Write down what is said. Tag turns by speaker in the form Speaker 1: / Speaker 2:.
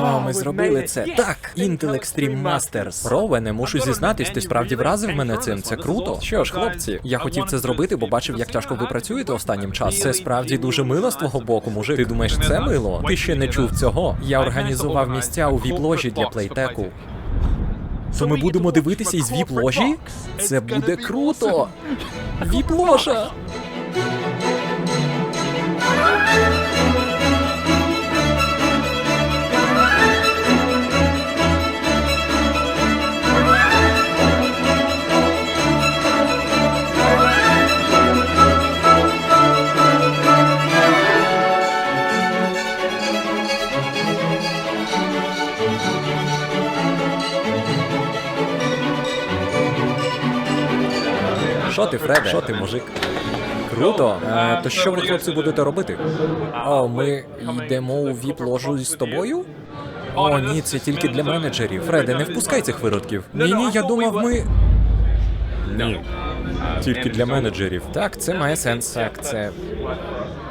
Speaker 1: О, ми зробили це. Так, Intel Extreme Masters. Ровене, мушу зізнатись, ти справді вразив мене цим. Це круто. Що ж, хлопці, я хотів це зробити, бо бачив, як тяжко ви працюєте останнім часом. Це справді дуже мило з твого боку, мужик. Ти думаєш, це мило? Ти ще не чув цього. Я організував місця у віп-ложі для плейтеку. То ми будемо дивитися із віп-ложі? Це буде круто! Віп-ложа! Що ти, Фреде? Що ти, мужик? Круто. То що ви, хлопці, будете робити? О, ми йдемо у віп-ложу з тобою? О, ні, це тільки для менеджерів. Фреде, не впускай цих виродків. Ні, я думав, ми... Ні. Тільки для менеджерів. Так, це має сенс. Так, це...